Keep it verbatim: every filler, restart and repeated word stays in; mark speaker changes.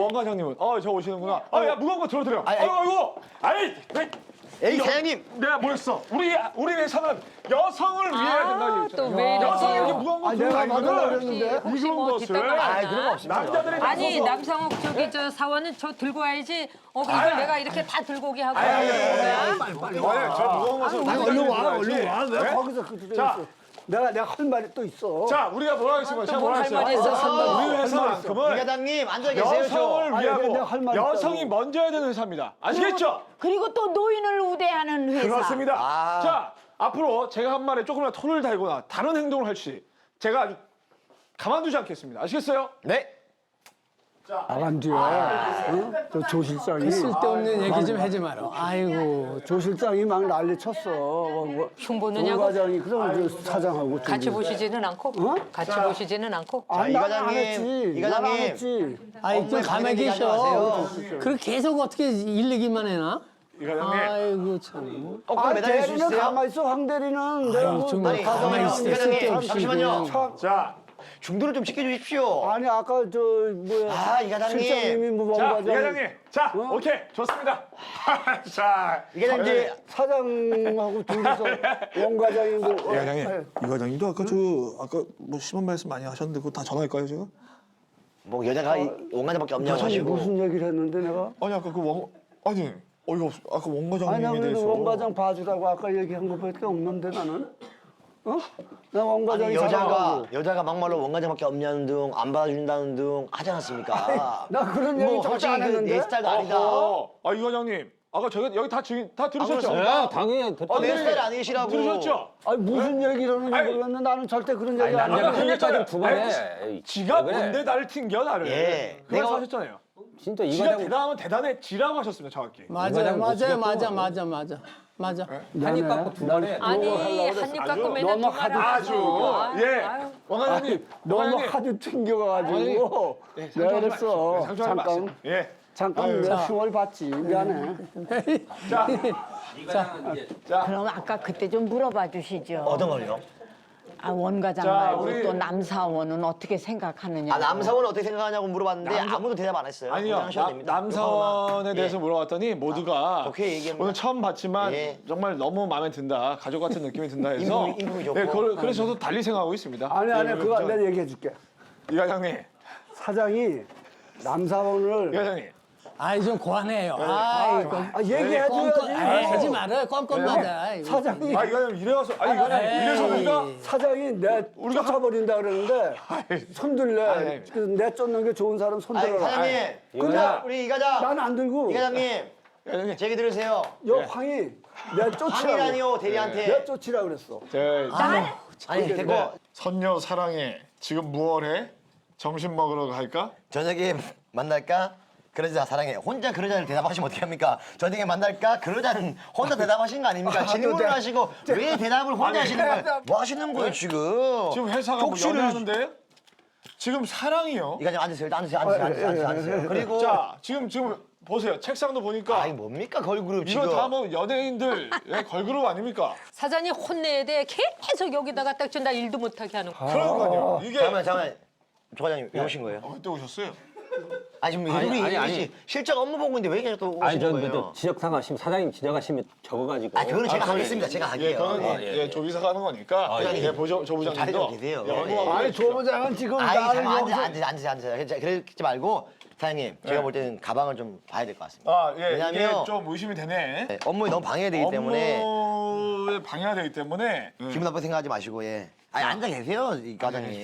Speaker 1: 원 과장님은 어 저 오시는구나. 아 야 무거운 거 들어드려.
Speaker 2: 아이,
Speaker 1: 아이고 아이고. 아이 왜?
Speaker 2: 에이 사장님.
Speaker 1: 내가 뭐랬어? 우리 우리 회사는 여성을 위해야 된다.
Speaker 3: 또 왜 이러세요?
Speaker 1: 여성이 이렇게 무거운 거 들고
Speaker 4: 내가 받으려고
Speaker 1: 다니면은
Speaker 4: 그랬는데.
Speaker 3: 혹시
Speaker 1: 이런
Speaker 3: 뭐
Speaker 1: 것을
Speaker 3: 뒷담화
Speaker 2: 아
Speaker 3: 있나?
Speaker 2: 그런 거 없습니다.
Speaker 1: 남자들이
Speaker 3: 아니
Speaker 1: 나서서
Speaker 3: 남상욱 저기 저 사원은 저 들고 와야지. 어 이걸
Speaker 1: 아니,
Speaker 3: 내가 이렇게 다 들고 오게 하고.
Speaker 1: 아니, 아니, 아니,
Speaker 3: 뭐야?
Speaker 1: 빨리 저 무거운 것을
Speaker 4: 아니,
Speaker 1: 남자들이
Speaker 4: 얼른 와,
Speaker 1: 들어야지.
Speaker 4: 얼른 와. 왜
Speaker 1: 네?
Speaker 4: 거기서 그
Speaker 1: 자.
Speaker 4: 있어? 내가 내가 할 말이 또 있어.
Speaker 1: 자 우리가 뭐라 하겠습니까? 제가
Speaker 3: 또
Speaker 1: 뭐라
Speaker 3: 할 말이
Speaker 1: 했어요?
Speaker 3: 있었어.
Speaker 1: 우리
Speaker 2: 이
Speaker 1: 회사만큼은
Speaker 2: 과장님 앉아 계세요.
Speaker 1: 여성을
Speaker 2: 저.
Speaker 4: 아니,
Speaker 1: 위하고
Speaker 4: 내가 할 말이
Speaker 1: 여성이
Speaker 4: 있다고.
Speaker 1: 먼저 해야 되는 회사입니다. 아시겠죠?
Speaker 5: 그리고 또 노인을 우대하는 회사.
Speaker 1: 그렇습니다.
Speaker 2: 아.
Speaker 1: 자, 앞으로 제가 한 말에 조금이라도 토를 달거나 다른 행동을 할지 제가 아주 가만두지 않겠습니다. 아시겠어요?
Speaker 2: 네.
Speaker 4: 나간 뒤에 어? 저 조실장이
Speaker 6: 쓸데없는 얘기 좀 하지 마라. 아이고.
Speaker 4: 조실장이 막 난리 쳤어. 뭐, 뭐,
Speaker 3: 흉
Speaker 4: 조
Speaker 3: 보느냐고?
Speaker 4: 과장이 그럼 저 사장하고
Speaker 3: 같이
Speaker 4: 저기.
Speaker 3: 보시지는 않고?
Speaker 4: 어?
Speaker 3: 같이 보시지는 않고?
Speaker 4: 아니,
Speaker 2: 이
Speaker 4: 나는 안
Speaker 2: 과장님,
Speaker 4: 했지.
Speaker 2: 이
Speaker 4: 나는 안
Speaker 2: 과장님.
Speaker 4: 했지.
Speaker 6: 아이, 좀
Speaker 2: 업무에
Speaker 6: 가만히
Speaker 2: 관련된 얘기 하지
Speaker 6: 계셔.
Speaker 2: 마세요.
Speaker 6: 그렇게 계속 어떻게 일 얘기만 해나?
Speaker 1: 이 과장님.
Speaker 6: 아이고, 참.
Speaker 2: 어,
Speaker 4: 아,
Speaker 2: 그럼 매달릴 수
Speaker 4: 대리는
Speaker 2: 있어요?
Speaker 4: 가만히 있어. 황 대리는 내가
Speaker 6: 아유,
Speaker 4: 뭐
Speaker 6: 정말
Speaker 2: 아니,
Speaker 6: 가만히
Speaker 2: 이
Speaker 6: 있어.
Speaker 2: 과장님,
Speaker 6: 쓸데없이
Speaker 2: 잠시만요.
Speaker 6: 그냥.
Speaker 1: 자,
Speaker 2: 중도를 좀 지켜주십시오.
Speaker 4: 아니 아까 저 뭐야
Speaker 2: 아, 이 과장님.
Speaker 4: 실장님이 뭐
Speaker 1: 자, 이
Speaker 4: 과장
Speaker 1: 과장님. 자, 오케이. 좋습니다. 자,
Speaker 2: 이 과장님 이제
Speaker 4: 사장하고 둘이서 원 과장이고
Speaker 1: 이 과장님. 이 과장님도 아까 저 아까 뭐 심한 말씀 많이 하셨는데 그거 다 전화할까요, 제가?
Speaker 2: 뭐 여자가 이 원과장밖에 없냐고
Speaker 4: 과장이
Speaker 2: 하시고.
Speaker 4: 무슨 얘기를 했는데 내가
Speaker 1: 아니 아까 그 원 아니 어이가 없어. 아까 원
Speaker 4: 아니
Speaker 1: 과장님에
Speaker 4: 나
Speaker 1: 대해서.
Speaker 4: 그래도 원 과장 봐주라고 아까 얘기한 것밖에 없는데 나는 어? 나 원
Speaker 2: 아니
Speaker 4: 과장이
Speaker 2: 여자가
Speaker 4: 사랑하고.
Speaker 2: 여자가 막말로 원과장밖에 없냐는 등 안 받아준다는 등 하지 않았습니까?
Speaker 4: 나 그런 얘기
Speaker 2: 뭐
Speaker 4: 절대
Speaker 2: 솔직히
Speaker 4: 안
Speaker 2: 그
Speaker 4: 했는데.
Speaker 2: 내 스타일도 아니다.
Speaker 1: 어허. 아, 이 과장님. 아까 저기 여기 다 증인 다 들으셨죠?
Speaker 2: 그렇습니다.
Speaker 6: 당연히.
Speaker 2: 어, 내 스타일 아니시라고.
Speaker 1: 들으셨죠?
Speaker 4: 아니 무슨 얘기를 하는지
Speaker 1: 아니,
Speaker 4: 몰랐는데 나는 절대 그런 얘기 안
Speaker 1: 남자가
Speaker 4: 했는데.
Speaker 1: 그러니까 두번 해.
Speaker 7: 에이,
Speaker 1: 지가
Speaker 7: 왜 그래?
Speaker 1: 뭔데 나를 튕겨 나를.
Speaker 2: 예.
Speaker 1: 그런
Speaker 2: 내가-
Speaker 1: 하셨잖아요.
Speaker 7: 진짜 이
Speaker 1: 지가
Speaker 7: 과장
Speaker 1: 대단하면 대단해 지라고 하셨습니다, 정확히.
Speaker 6: 맞아요,
Speaker 7: 과장 못
Speaker 6: 맞아요,
Speaker 7: 쓰겠고.
Speaker 6: 맞아, 맞아, 맞아. 맞아.
Speaker 7: 한입 갖고 두 번 해.
Speaker 3: 아니
Speaker 4: 하려고
Speaker 3: 한입 갖고 맨날
Speaker 4: 너무
Speaker 3: 두 말을
Speaker 1: 아주
Speaker 3: 하고.
Speaker 1: 예.
Speaker 3: 아유.
Speaker 1: 원 과장님.
Speaker 4: 너무
Speaker 1: 원 과장님.
Speaker 4: 하도 튕겨가지고
Speaker 1: 예,
Speaker 4: 내가
Speaker 1: 상처하지
Speaker 4: 그랬어.
Speaker 1: 마십시오. 상처하지
Speaker 4: 잠깐
Speaker 1: 마세요. 예.
Speaker 4: 잠깐 내가 흉을 봤지 미안해.
Speaker 1: 자,
Speaker 5: 그럼 아까 그때 좀 물어봐 주시죠.
Speaker 2: 어떤 걸요?
Speaker 5: 아, 원 과장
Speaker 1: 자,
Speaker 5: 말고
Speaker 1: 우리-
Speaker 5: 또 남사원은 어떻게 생각하느냐.
Speaker 2: 아 남사원은 어떻게 생각하냐고 물어봤는데 아무도 대답 안 했어요.
Speaker 1: 아니요.
Speaker 2: 그냥 하셔도
Speaker 1: 나-
Speaker 2: 됩니다.
Speaker 1: 남사원에
Speaker 2: 예.
Speaker 1: 대해서 물어봤더니 모두가
Speaker 2: 좋게 얘기합니다.
Speaker 1: 오늘 처음 봤지만
Speaker 2: 예.
Speaker 1: 정말 너무 마음에 든다. 가족 같은 느낌이 든다 해서.
Speaker 2: 인품이- 인품이 좋고.
Speaker 1: 예, 그걸- 그래서 저도 달리 생각하고 있습니다.
Speaker 4: 아니 아니
Speaker 1: 예,
Speaker 4: 그거
Speaker 1: 저-
Speaker 4: 내가 얘기해 줄게.
Speaker 1: 이 과장님.
Speaker 4: 사장이 남사원을
Speaker 1: 이 과장님.
Speaker 6: 아이, 좀 고안해요. 아이고.
Speaker 4: 아, 얘기해
Speaker 6: 껌껌,
Speaker 4: 줘야지.
Speaker 6: 아이, 하지 말아요. 껌껌하다. 아이고.
Speaker 4: 사장이
Speaker 1: 아, 이 과장님 이래 와서 아니, 이 과장님 이래서 우리가
Speaker 4: 사장이 내
Speaker 1: 우리가
Speaker 4: 쫓아버린다 그러는데 손들래.
Speaker 1: 아이.
Speaker 4: 그 내 쫓는 게 좋은 사람
Speaker 2: 아니
Speaker 4: 손들어라.
Speaker 2: 사장님.
Speaker 4: 근데
Speaker 2: 우리 이 과장.
Speaker 4: 난 안 들고
Speaker 2: 이 과장님.
Speaker 1: 이 과장님.
Speaker 2: 제 얘기 들으세요.
Speaker 4: 여 황이 내 쫓으라고.
Speaker 2: 황이라니요 대리한테.
Speaker 4: 내 쫓으라 그랬어.
Speaker 1: 저
Speaker 2: 아니 됐고
Speaker 1: 선녀 사랑해. 지금 무얼해? 점심 먹으러 갈까?
Speaker 2: 저녁에 만날까? 그러자 사랑해. 혼자 그러자를 대답하시면 어떻게 합니까? 저녁에 만날까? 그러자는 혼자 대답하시는 거 아닙니까? 질문을 하시고 왜 대답을 혼자 하시는 거예요? 뭐 하시는 거예요 지금?
Speaker 1: 지금 회사가 뭐
Speaker 2: 족치를-
Speaker 1: 연애하는데 지금 사랑이요.
Speaker 2: 이 과장 앉으세요. 일단 앉으세요. 앉으세요. 앉으세요. 앉으세요. 앉으세요. 그리고
Speaker 1: 자, 지금 지금 보세요. 책상도 보니까
Speaker 2: 아니 뭡니까 걸그룹 지금?
Speaker 1: 이거 다 뭐 연예인들 의 걸그룹 아닙니까?
Speaker 3: 사장님 혼내야 돼. 계속 여기다가 딱 준다 일도 못하게 하는 거.
Speaker 1: 그러니까요. 이게
Speaker 2: 잠깐만 잠깐만. 조 과장님 왜 오신 거예요?
Speaker 1: 어, 또 오셨어요?
Speaker 2: 아니 지금
Speaker 7: 아니,
Speaker 2: 우리
Speaker 7: 아니,
Speaker 2: 아니,
Speaker 7: 아니.
Speaker 2: 실적 업무 보고 있는데 왜 계속 또
Speaker 7: 아니,
Speaker 2: 오시는
Speaker 7: 저,
Speaker 2: 거예요?
Speaker 7: 저, 지적사항 하시면, 사장님 지적하시면 적어가지고.
Speaker 2: 아 그거는 제가
Speaker 1: 아,
Speaker 2: 하겠습니다. 제가
Speaker 1: 예,
Speaker 2: 할게요.
Speaker 1: 그거는
Speaker 2: 예.
Speaker 1: 예, 예, 조비사가 하는 거니까.
Speaker 2: 예.
Speaker 1: 예, 보조 조
Speaker 2: 자리
Speaker 1: 부장님도
Speaker 2: 좀 계세요.
Speaker 1: 예, 업무하고
Speaker 4: 아니
Speaker 1: 계십시오.
Speaker 4: 조부장은 지금
Speaker 2: 아이
Speaker 4: 나를
Speaker 2: 잠깐
Speaker 4: 여기서
Speaker 2: 앉으세요. 앉으세요. 앉으세요. 앉으세요. 그래- 그러지 말고 사장님 제가 볼 때는 가방을 좀 봐야 될 것 같습니다.
Speaker 1: 아, 예,
Speaker 2: 왜냐면-
Speaker 1: 이게 좀 의심이 되네.
Speaker 2: 네, 업무에 너무 방해되기 때문에
Speaker 1: 업무에 방해가 되기 때문에. 예.
Speaker 2: 기분 나쁘게 생각하지 마시고 예. 아니 앉아 계세요 이 과장님.